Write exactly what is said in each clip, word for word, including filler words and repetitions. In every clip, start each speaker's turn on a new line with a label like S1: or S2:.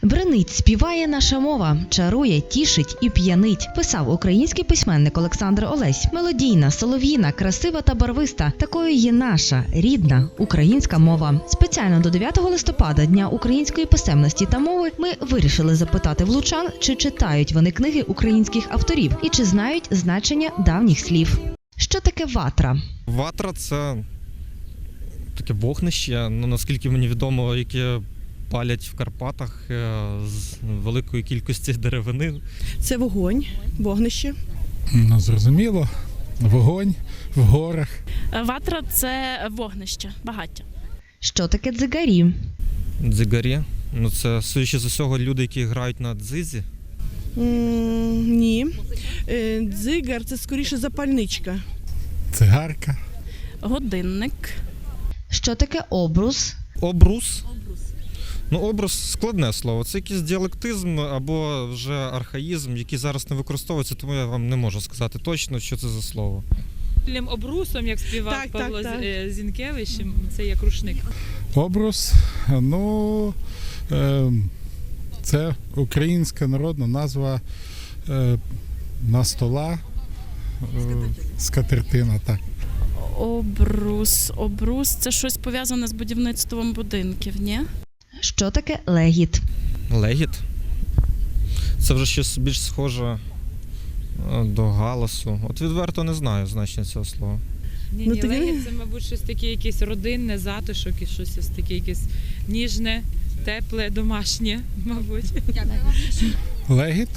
S1: Бринить, співає наша мова, чарує, тішить і п'янить. Писав український письменник Олександр Олесь. Мелодійна, солов'їна, красива та барвиста. Такою є наша, рідна, українська мова. Спеціально до дев'ятого листопада, Дня української писемності та мови, ми вирішили запитати в лучан, чи читають вони книги українських авторів і чи знають значення давніх слів. Що таке ватра?
S2: Ватра – це таке вогнище, ну, наскільки мені відомо, яке палять в Карпатах з великої кількості деревини.
S3: Це вогонь, вогнище.
S4: Ну, зрозуміло. Вогонь в горах.
S5: Ватра – це вогнище, багаття.
S1: Що таке дзигарі?
S2: Дзигарі? Ну, це, судячи з усього, люди, які грають на дзизі.
S3: М, ні. Е, Дзигар – це скоріше запальничка.
S4: Цигарка.
S5: Годинник.
S1: Що таке обрус?
S2: Обрус? Ну, образ – складне слово. Це якийсь діалектизм або вже архаїзм, який зараз не використовується, тому я вам не можу сказати точно, що це за слово.
S6: Обрусом, як співав
S3: Так,
S6: Павло
S3: так, так.
S6: Зінкевич, це як рушник.
S4: Обрус. Ну, е, це українська народна назва е, на стола. Е, скатертина, так.
S5: Обрус. Обрус – це щось пов'язане з будівництвом будинків, ні?
S1: Що таке легіт?
S2: Легіт? Це вже щось більш схоже до галасу. От відверто не знаю значення цього слова.
S6: Ні,
S3: Ну,
S6: ні,
S3: ти-
S6: легіт – це, мабуть, щось таке якесь родинне, затишок, і щось ось таке якесь ніжне, тепле, домашнє, мабуть.
S4: Легіт.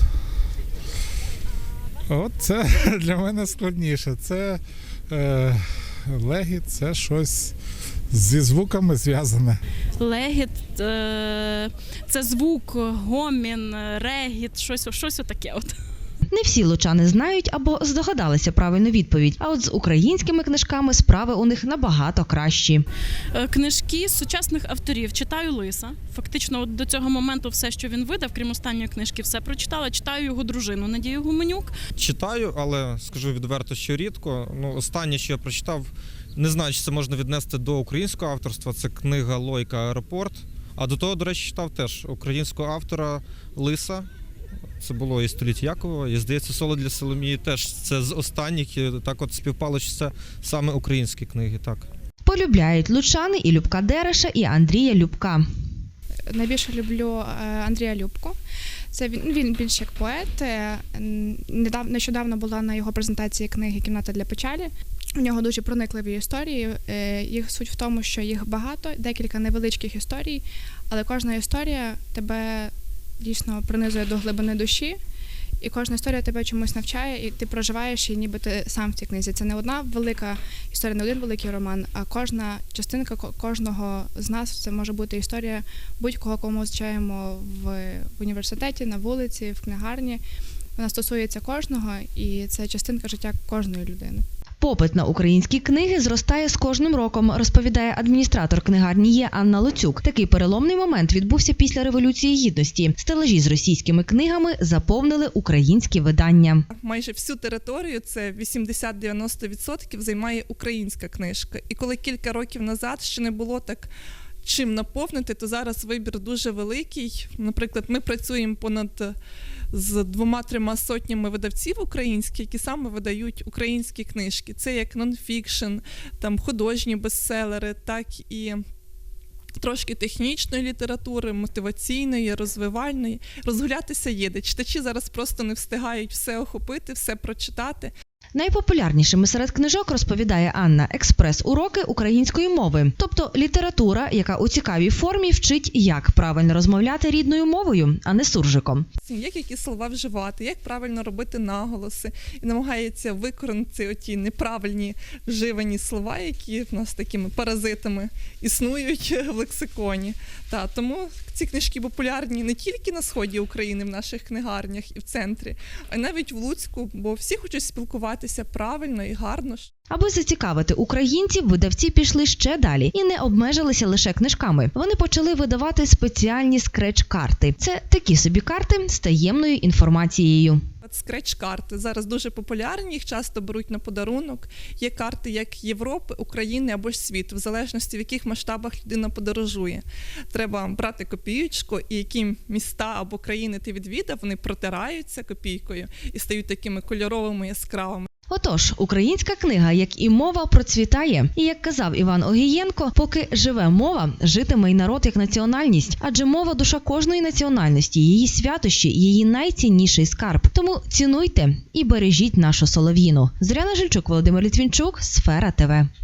S4: От це для мене складніше. Це е, легіт – це щось зі звуками зв'язане.
S5: Легіт е, – це звук, гомін, регіт, щось, щось отаке от.
S1: Не всі лучани знають або здогадалися правильну відповідь, а от з українськими книжками справи у них набагато кращі.
S5: Е, Книжки сучасних авторів читаю Лиса. Фактично от до цього моменту все, що він видав, крім останньої книжки, все прочитала. Читаю його дружину Надію Гуменюк.
S2: Читаю, але скажу відверто, що рідко. Ну, останнє, що я прочитав, не знаю, чи це можна віднести до українського авторства, це книга Лойка «Аеропорт». А до того, до речі, читав теж українського автора Лиса. Це було і «Століття Якова», і, здається, «Соло для Соломії» теж це з останніх, і так от співпало, що це саме українські книги, так.
S1: Полюбляють лучани і Любка Дереша, і Андрія Любка.
S7: Найбільше люблю Андрія Любку. Це він, він більш як поет. Недавно, нещодавно була на його презентації книги «Кімната для печалі». У нього дуже проникливі історії. Їх суть в тому, що їх багато, декілька невеличких історій, але кожна історія тебе дійсно принизує до глибини душі, і кожна історія тебе чомусь навчає, і ти проживаєш її, ніби ти сам в цій книзі. Це не одна велика історія, не один великий роман, а кожна частинка кожного з нас, це може бути історія будь-кого, кому зустрічаємо в, в університеті, на вулиці, в книгарні. Вона стосується кожного, і це частинка життя кожної людини.
S1: Попит на українські книги зростає з кожним роком, розповідає адміністратор книгарні Є Анна Луцюк. Такий переломний момент відбувся після Революції Гідності. Стелажі з російськими книгами заповнили українські видання.
S8: Майже всю територію, це вісімдесят-дев'яносто відсотків, займає українська книжка. І коли кілька років назад ще не було так чим наповнити, то зараз вибір дуже великий. Наприклад, ми працюємо понад з двома-трьома сотнями видавців українських, які саме видають українські книжки. Це як нонфікшн, там художні бестселери, так і трошки технічної літератури, мотиваційної, розвивальної. Розгулятися є де. Читачі зараз просто не встигають все охопити, все прочитати.
S1: Найпопулярнішими серед книжок, розповідає Анна, експрес-уроки української мови. Тобто література, яка у цікавій формі вчить, як правильно розмовляти рідною мовою, а не суржиком.
S8: Як які слова вживати, як правильно робити наголоси. І намагається викоренити оті неправильні вживані слова, які в нас такими паразитами існують в лексиконі. Та, тому ці книжки популярні не тільки на сході України, в наших книгарнях і в центрі, а й навіть в Луцьку, бо всі хочуть спілкуватися правильно і гарно.
S1: Аби зацікавити українців, видавці пішли ще далі і не обмежилися лише книжками. Вони почали видавати спеціальні скреч-карти. Це такі собі карти з таємною інформацією.
S8: Скреч-карти зараз дуже популярні, їх часто беруть на подарунок. Є карти як Європи, України або ж світу, в залежності в яких масштабах людина подорожує. Треба брати копієчку, і які міста або країни ти відвідав, вони протираються копійкою і стають такими кольоровими, яскравими.
S1: Отож, українська книга, як і мова, процвітає. І як казав Іван Огієнко, поки живе мова, житиме й народ як національність. Адже мова – душа кожної національності, її святощі, її найцінніший скарб. Тому цінуйте і бережіть нашу солов'їну. Зоряна Жильчук, Володимир Літвінчук, Сфера ТВ.